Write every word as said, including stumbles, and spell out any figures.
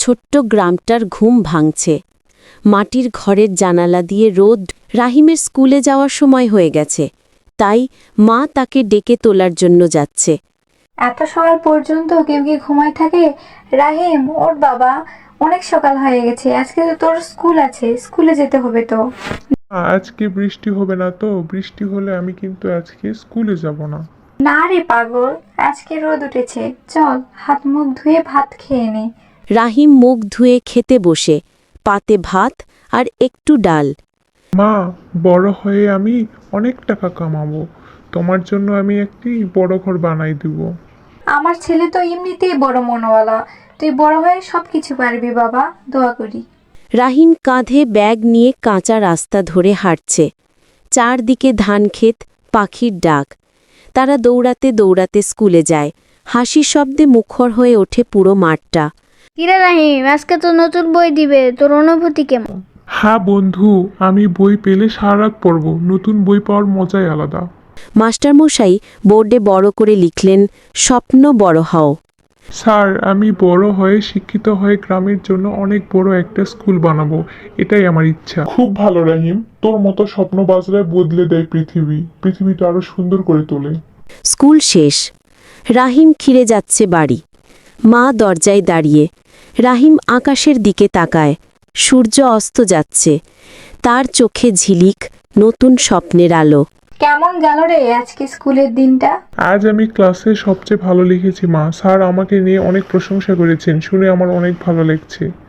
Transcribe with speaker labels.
Speaker 1: ছোট্ট গ্রামটার ঘুম ভাঙছে। মাটির ঘরের জানালা দিয়ে রোদ। রাহিমের স্কুলে যাওয়ার সময় হয়ে গেছে, তাই মা তাকে ডেকে তোলার জন্য যাচ্ছে।
Speaker 2: এত সকাল পর্যন্ত কেউ কি ঘুমায় থাকে? রাহিম, ওর বাবা, অনেক সকাল হয়ে গেছে। আজকে তো তোর স্কুল আছে, স্কুলে যেতে হবে তো।
Speaker 3: আজকে বৃষ্টি হবে না তো? বৃষ্টি হলে আমি কিন্তু আজকে স্কুলে যাব না।
Speaker 2: না রে পাগল, আজকে রোদ উঠেছে, চল হাত মুখ ধুয়ে ভাত খেয়ে নে।
Speaker 1: রাহিম মুখ ধুয়ে খেতে বসে, পাতে ভাত আর একটু ডাল।
Speaker 3: মা, বড় হয়ে আমি অনেক টাকা কামাবো, তোমার জন্য আমি একটি বড় ঘর বানাই দিব।
Speaker 2: আমার ছেলে তো এমনিতেই বড় মনওয়ালা, তুই বড় হয়ে সবকিছু পারবি বাবা, দোয়া করি।
Speaker 1: রাহিম কাঁধে ব্যাগ নিয়ে কাঁচা রাস্তা ধরে হাঁটছে। চারদিকে ধানক্ষেত, পাখির ডাক। তারা দৌড়াতে দৌড়াতে স্কুলে যায়। হাসির শব্দে মুখর হয়ে ওঠে পুরো মাঠটা।
Speaker 4: কিরে রাহিম, আজকে তো নতুন বই দিবে, তোর অনুভূতি কেমন?
Speaker 3: হ্যাঁ বন্ধু, আমি বই পেলে সারা রাত পড়ব। নতুন বই পাওয়ার মজাই আলাদা।
Speaker 1: মাস্টারমশাই বোর্ডে বড় করে লিখলেন, স্বপ্ন বড় হও।
Speaker 3: স্যার, আমি বড় হয়ে শিক্ষিত হয়ে গ্রামের জন্য অনেক বড় একটা স্কুল বানাবো, এটাই আমার ইচ্ছা। খুব ভালো রাহিম, তোর মতো স্বপ্ন বাজরায় বদলে দেয় পৃথিবী, পৃথিবীটা আরো সুন্দর করে তোলে।
Speaker 1: স্কুল শেষ। রাহিম ফিরে যাচ্ছে বাড়ি। মা দরজায় দাঁড়িয়ে। রাহিম আকাশের দিকে তাকায়। সূর্য অস্ত যাচ্ছে। তার চোখে ঝিলিক, নতুন স্বপ্নের আলো।
Speaker 2: কেমন গেল রে আজকে স্কুলের দিনটা?
Speaker 3: আজ আমি ক্লাসে সবচেয়ে ভালো লিখেছি মা। স্যার আমাকে নিয়ে অনেক প্রশংসা করেছেন, শুনে আমার অনেক ভালো লাগছে।